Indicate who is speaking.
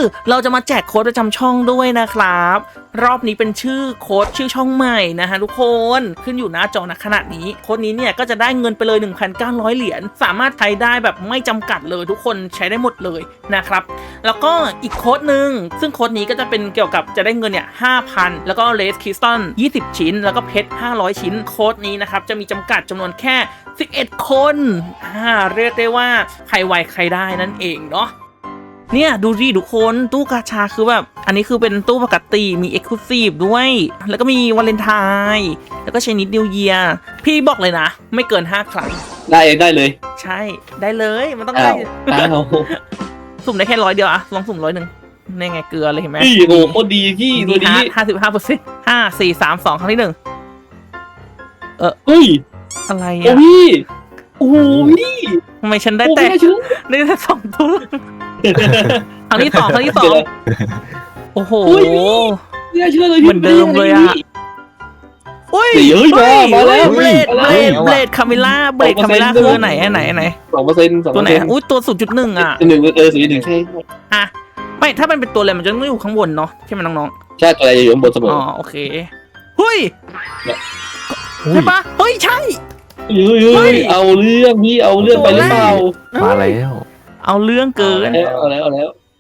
Speaker 1: เราจะมาแจกโค้ดประจำช่องด้วยนะครับรอบนี้เป็นชื่อโค้ดชื่อช่องใหม่นะฮะทุกคนขึ้นอยู่หน้าจอณขณะนี้โค้ดนี้เนี่ยก็จะได้เงินไปเลย 1,900 เหรียญสามารถใช้ได้แบบไม่จำกัดเลยทุกคนใช้ได้หมดเลยนะครับแล้วก็อีกโค้ดหนึ่งซึ่งโค้ดนี้ก็จะเป็นเกี่ยวกับจะได้เงินเนี่ย 5,000 แล้วก็เลสคริสตัล20 ชิ้นแล้วก็เพชร500 ชิ้นโค้ดนี้นะครับจะมีจำกัดจำนวนแค่11 คนเรียกได้ว่าใครไวใครได้นั่นเองเนาะเนี่ยดูดิทุกคนตู้กาชาคือแบบอันนี้คือเป็นตู้ปกติมี Exclusive ด้วยแล้วก็มีวาเลนไทน์แล้วก็ชนิดนิวเยียร์พี่บอกเลยนะไม่เกิน5 ครั้ง
Speaker 2: ได้เลย
Speaker 1: ใช่ได้เลยมันต้องได้ สุ่มได้แค่100 เดียวอะลองสุ่ม100นี่ไงเกลือเลยเห็นไหม
Speaker 2: พี่โอ้โคตรดีพี่ตัวนี้
Speaker 1: 55% 5 4 3 2 ครั้งที่1
Speaker 2: เฮ้ย
Speaker 1: อะไร
Speaker 2: โอ้
Speaker 1: อะ
Speaker 2: พี่โอ้โหพี่
Speaker 1: ทำไมฉันได้แต่2 ตัวครั้งที่ 2โอ้โห
Speaker 2: ไม่เชื่อเลย
Speaker 1: เหมือนเดิมเลยอะอุ้ย
Speaker 2: มาแล้ว
Speaker 1: เบลดคาเมล่าคือไหน
Speaker 2: 2%
Speaker 1: ตัวไหนอุ้ยตัว 0.1 อ่ะ
Speaker 2: 0.1ใช่
Speaker 1: อะไม่ถ้ามันเป็นตัวอะไรมันจะไม่อยู่ข้างบนเนาะใช่ไหมน้อง
Speaker 2: ๆใช่ตัวอะไรอยู่ข้างบนเสมอ
Speaker 1: อ๋อโอเคเฮ้ยใช่ปะเฮ้ยใช่
Speaker 2: เอาเรื่องพี่เอาเรื่องไปหรือเปล่า
Speaker 3: มาแล้ว
Speaker 1: เอาเรื่องเกิน
Speaker 2: เอาแล้ว